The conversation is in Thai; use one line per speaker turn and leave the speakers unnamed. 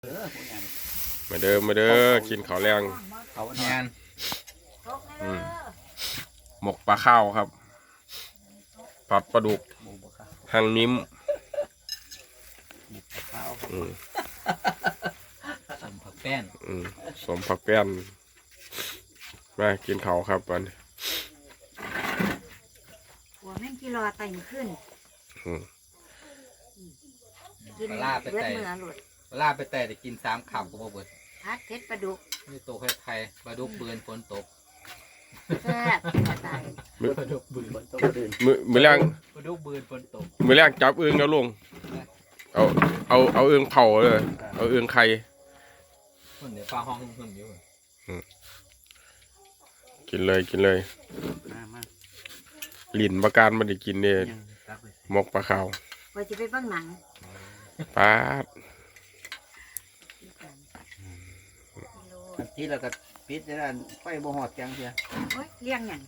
มาเด้อมาเด้อกินข้าวแรง
เขางาน
หมกปลาข้าวครับผัดปลาดุกหางนิ้ม
สมผักแป้น
สมผักแป้นมากินข้าวครับวัน
หัวแม่งกี่รอไต่ขึ้นกิน
ปลาไป
เลือด
แต่
เมือหลุด
ปลาไปแต่กิน3คำก็บ่เบิด
พัดเพชรปลาดุก
นี่โตไข่ปลาดุกเบือนฝนตก
แซ่บตาย
ปลาดุกเบือนฝนตก
มือแรง
ปลาดุกเบือนฝนตก
มือแรงจับอึ่งแล้วลงเอาอึ่งเผาเลยเอาอึ่งไข่
คนเดี๋ยวฟ้าห้องหึ่มอยู่
กินเลยลิ้นประการมันได้กินเนี่ยหมกปลาข้าว
ว่าจะไปเบ้างหนัง
ปลา
ที่เราก็ปิดได้ไฟบ่หอดจังเสีย
โอ้ยเลี้ยงอย่าง